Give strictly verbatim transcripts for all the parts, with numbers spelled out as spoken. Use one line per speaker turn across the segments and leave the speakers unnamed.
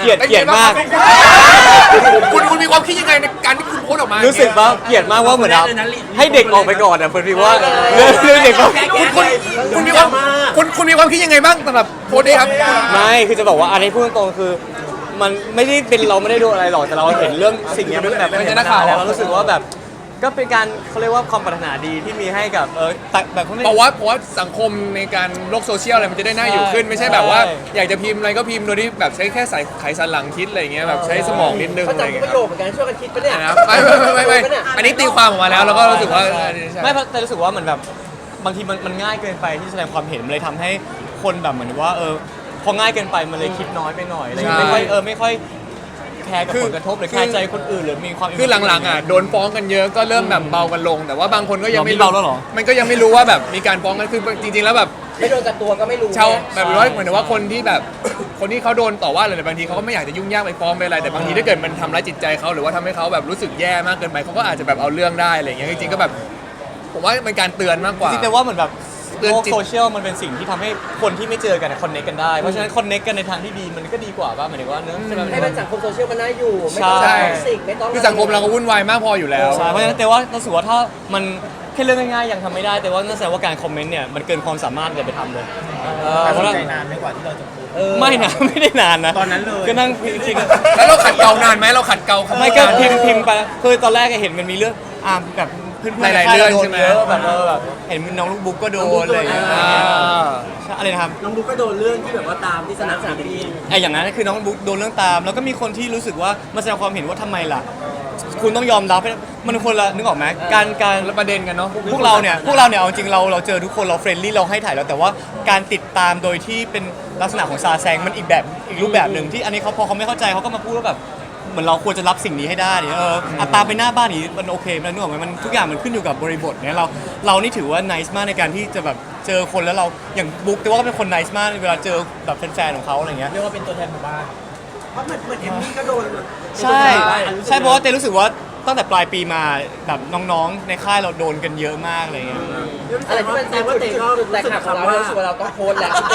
เกลียดเกลียดมาก
คุณคุณมีความคิดยังไงในการที่คุณโพสออกมา
รู้สึกว่าเกลียดมากว่าเหมือนแบบให้เด็กออกไปก่อนอ่ะเพื่อนพี่ว่าเรื่องเรื่องเด็กก็
คุณคุณมีความคุณคุณมีความคิดยังไงบ้างสำหรับโพสนี้ครับ
ไม่คือจะบอกว่าอันนี้พูดตรงๆคือมันไม่ได้เป็นเราไม่ได้ดูอะไรหรอกแต่เราเห็นเรื่องสิ่งนี้มันแบบไม่ใช่นักข่าวแล้วเรารู้สึกว่าแบบก็เป็นการเขาเรียกว่าความปรารถนาดีที่มีให้กับเออแบบเขาไม่
เพราะว่าเพราะว่าสังคมในการโลกโซเชียลอะไรมันจะได้น่าอยู่ขึ้นไม่ใช่แบบว่าอยากจะพิมพ์อะไรก็พิมพ์โดยที่แบบใช้แค่สายไขสันหลังคิดอะไรเงี้ยแบบใช้สมองนิดนึงอะไรเงี้ย
ประโยคเหมือนกันช่วยกันคิดปะเนี่ย
ไม่ไม่ไม่ไม่อันนี้ตีความออกมาแล้วแล้วก็รู้สึกว่า
ไม่แต่รู้สึกว่าเหมือนแบบบางทีมันมันง่ายเกินไปที่แสดงความเห็นมันเลยทำให้คนแบบเหมือนว่าเออพอง่ายเกินไปมันเลยคิดน้อยไปหน่อยอะไรเงี้ยไม่ค่อยเออไม่ค่อยแคร์กับผลกระทบหรือแคร์ใจคนอื่นหรือมีความ
คือหลังๆอ่ะโดนฟ้องกันเยอะก็เริ่มแบบเบากันลงแต่ว่าบางคนก็ยังไม่รู้มันก็ยังไม่รู้ว่าแบบมีการฟ้องกันคือจริงๆแล้วแบบ
ไม่โดนกับตัวก็ไม่รู้
ชาวแบบว่าเหมือนว่าคนที่แบบคนที่เขาโดนต่อว่าอะไรบางทีเขาก็ไม่อยากจะยุ่งยากไปฟ้องไปอะไรแต่บางทีถ้าเกิดมันทำร้ายจิตใจเขาหรือว่าทำให้เขาแบบรู้สึกแย่มากเกินไปเขาก็อาจจะแบบเอาเรื่องได้อะไรอย่างเงี้ยจริงๆก็แบบผมว่าเป็นการเตือนมากกว่า
จริงๆแต่ว่าเหมือนแบบโลกโซเชียลมันเป็นสิ่งที่ทำให้คนที่ไม่เจอกันคอนเนคกันได้เพราะฉะนั้นคอนเนคกันในทางที่ดีมันก็ดีกว่าป่ะหมายถึงว่าเนื้อ
ให้เป็นสังคมโซเชียลมันน่าอยู่ไม่ต้องท็อกซิกไม่ต้อง
คือสังคมเราก็วุ่นวายมากพออยู่แล้ว
ใช่เพราะฉะนั้นแต่ว่าเราสึกว่าถ้ามันแค่เรื่องง่ายๆยังทำไม่ได้แต่ว่านั่นแสดงว่าการคอมเมนต์เนี่ยมันเกินความสามารถจะไปทำเลย
เพราะว่าใจนานไม่กว่าที่เราจะพูด
ไม่นะไม่ได้นานนะ
ตอนนั้นเลย
ก็นั่งคิด
แล้วเราขัดเกลานานไหมเราขัดเกลา
ไม่ก็พิมพ์พิมพ์ไปคือตอนแรกเห็นมันมีเรื่องอ่าแบบเพื่อนๆ
หลายๆเรื่องใช่ไหม
แบบเออแบบเห็นน้องลูกบุ๊กก็โดนอะไรอย่างเงี้ยอะไรนะครับ
น้องบุ๊กก็โดนเรื่องที่แบบว่าตามที่สนามสนามบิน
ไอ้อย่างนั้นคือน้องบุ๊กโดนเรื่องตามแล้วก็มีคนที่รู้สึกว่ามาแสดงความเห็นว่าทำไมล่ะคุณต้องยอมรับมันคนละนึกออกไหมการการ
ประเด็นกันเนาะ
พวกเราเนี่ยพวกเราเนี่ยเอาจริงเราเราเจอทุกคนเราเฟรนลี่เราให้ถ่ายแล้วแต่ว่าการติดตามโดยที่เป็นลักษณะของซาแซงมันอีกแบบอีกรูปแบบหนึ่งที่อันนี้เขาพอเขาไม่เข้าใจเขาก็มาพูดว่าแบบเหมือนเราควรจะรับสิ่งนี้ให้ได้เนี่ยเอออัตราไปหน้าบ้านนี้มันโอเคมันนึกออกไหมมันทุกอย่างมันขึ้นอยู่กับบริบทเนี่ยเราเรานี่ถือว่า nice มากในการที่จะแบบเจอคนแล้วเราอย่างบุ๊กแต่ว่าก็เป็นคน nice มากเวลาเจอแบบแฟนๆของเขาอะไรเงี้ย
เรียกว่าเป็นตัวแทนหมู่บ้านเพราะเหมือนเหมือนเอมมี่ก็โดน
ใช่ใช่เพราะว่าเต้รู้สึกว่าตั้งแต่ปลายปีมาแบบน้องๆในค่ายเราโดนกันเยอะมากอะไรเงี้ย
อะไรที่มันแตกว่าเตะก็แตกหักของเรารู้สึกว่าเราต้องโพสแล้วเตะ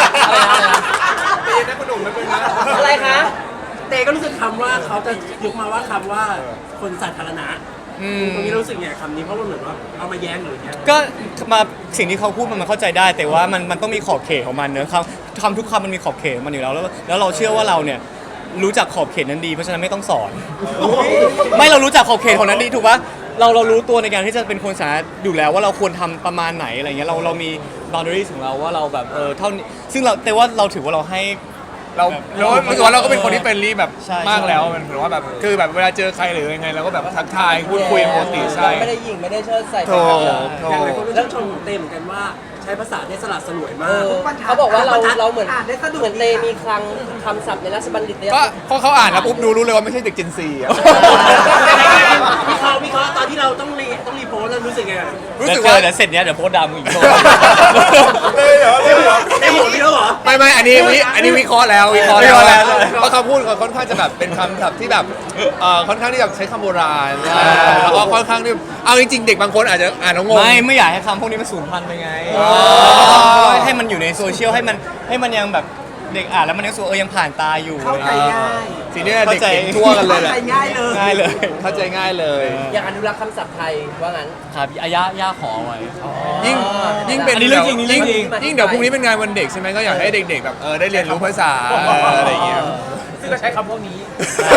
เป็นนะคุณหนุ่มไม่เป็นนะ
อะไรคะ
เตก็รู้สึกคำว่าเขาจะยกมาว่าคำว่าคนสาธารณะตรงนี้รู้สึกไงคำนี้เพราะว่าเหมือนว่าเอามาแย้งหรือไง
ก็มาสิ่งที่เขาพูดมันมันเข้าใจได้แต่ว่ามันมันต้องมีขอบเขตของมันเนอะคำคำทุกคำมันมีขอบเขตมันอยู่แล้วแล้วแล้วเราเชื่อว่าเราเนี่ยรู้จักขอบเขตนั้นดีเพราะฉะนั้นไม่ต้องสอนไม่เรารู้จักขอบเขตของนั้นดีถูกปะเราเรารู้ตัวในการที่จะเป็นคนสาธารณะอยู่แล้วว่าเราควรทำประมาณไหนอะไรเงี้ยเราเรามี boundaries ของเราว่าเราแบบเออเท่านี้ซึ่งเราแต่ว่าเราถือว่าเราให้
เราเรารู้สึกว่าเราก็เป็นคนที่เป็นรีแบบมากแล้วมันถือว่าแบบคือแบบเวลาเจอใครหรือยังไงเราก็แบบทักทายพูดคุยปกติใช่
ไม่ได้ยิงไม่ได้เชิดใส่
โถโถ
อย่างไรคนรู้ชมของเต้เหมือนกันว่าใช้ภาษาได้สลัดสลวยมาก
เขาบอกว่าเราเราเหมือนเหมือนเตมีคลังคำศัพท์ในราชบัณฑิตเนี่ย
ก็พอเขาอ่านแล้วปุ๊บดูรู้เลยว่าไม่ใช่เด็กเจนซีอ่ะ
วิเคราะห์วิเคราะห์ตอนที่เราต้องรีต้องรีโพสแล้วรู้สึกไง
รู้สึกว่าเดี๋ยวเสร็จเนี้ยเดี๋ยวโพสดามึงอีกโซ่
เลยเหรอเลยเหรอ
ได้หมดพี่แล้วเหรอ
ไม่ไม่อันนี้อันนี้วิเคราะห์แล้ววิเคราะห์แล้วเพราะเขาพูดค่อนข้างจะแบบเป็นคำศัพท์ที่แบบเอ่อค่อนข้างที่แบบใช้คำโบราณแล้วก็ค่อนข้างที่เอาจริงๆเด็กบางคนอาจจะอ่านแล้วงง
ไม่ไม่อยากให้คำพวกนี้มันสูญพันธุ์ไปไงให้มันอยู่ในโซเชียลให้มันให้มันยังแบบเด็กอ่านแล้วมันยังสูเออยังผ่านตาอยู่
เข้าใจง่าย
ทีนี้เด็กเก่งทั่วกันเลยแหละ
เข้าใจง่ายเลย
ง่ายเลย
เข้าใจง่ายเลย
อยากอนุรักษ์คำศัพท์ไทยว่างั้น
ครับอาย่าย่าขอไว้
ยิ่งยิ่งเป็น
เรื่องจริง
ยิ่งยิ่งเดี๋ยวพรุ่งนี้เป็นงานวันเด็กใช่ไหมก็อยากให้เด็กๆแบบเออได้เรียนรู้ภาษาอะไรอย่างเงี้ย
ซึ่งก็ใช้คำพวกนี้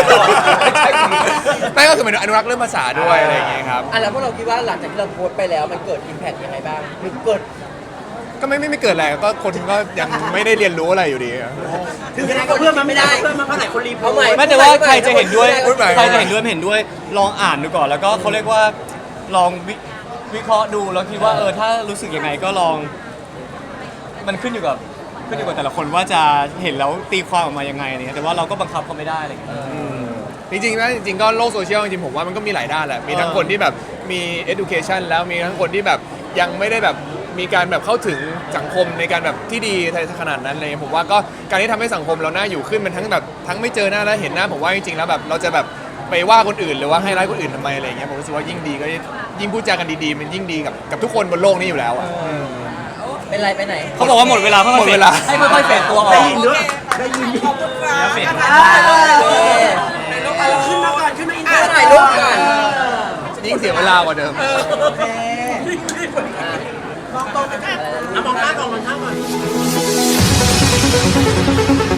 ไม่ก็คือเป็นอนุรักษ์เรื่องภาษาด้วยอะไรอย่างเงี้ยครับ
อ่ะแล้วพวกเราคิดว่าหลังจากที่เราโพสต์ไปแล้วมันเกิดอิมแพคยังไงบ้างหรือเกิด
ก็ไม่ไม่ไม่เกิดอะไรก็คนก็ยังไม่ได้เรียนรู้อะไรอยู่ดี
ถึงยังไงก็เพื่อนมันไม่ได้เพื่อนมันเพราะไหนคนรีบ
เอาใหม่
ไม่แต่ว่าใครจะเห็นด้วยใครจะเห็นด้วยไม่เห็นด้วยลองอ่านดูก่อนแล้วก็เขาเรียกว่าลองวิเคราะห์ดูแล้วคิดว่าเออถ้ารู้สึกยังไงก็ลองมันขึ้นอยู่กับขึ้นอยู่กับแต่ละคนว่าจะเห็นแล้วตีความออกมายังไงเนี่ยแต่ว่าเราก็บังคับเขาไม่ได้อะไรอย่างเงี้ย
จริงๆนะจริงๆก็โลกโซเชียลจริงๆผมว่ามันก็มีหลายด้านแหละมีทั้งคนที่แบบมี education แล้วมีทั้งคนที่แบบยังไม่ได้แบบมีการแบบเข้าถึงสังคมในการแบบที่ดีขนาดนั้นเลยผมว่าก็การที่ทำให้สังคมเราน่าอยู่ขึ้นมันทั้งแบบทั้งไม่เจอหน้าแล้วเห็นหน้าผมว่าจริงๆแล้วแบบเราจะแบบไปว่าคนอื่นหรือว่าให้ร้ายคนอื่นทำไมอะไรเงี้ยผมรู้สึกว่ายิ่งดีก็ยิ่งพูดจากันดีๆมันยิ่งดีกับกับทุกคนบนโลกนี้อยู่แล้วอ่ะ
เป็นเป็นไรไปไหน
เขาบอกว่าหมดเวลาเพื่อ
หมดเวลา
ให้ค่อยๆเฟดตัวออก
ได้ยินด้วยได้ยิน
ขอบคุณครับ
เฟด
ขึ้นมาก่อนขึ้นมาอินเตอร์
ถ่ายรูปก่อน
ยิ่งเสียเวลากว่าเดิม
โอเค
เอามองข้างก่อนมองข้างก่อน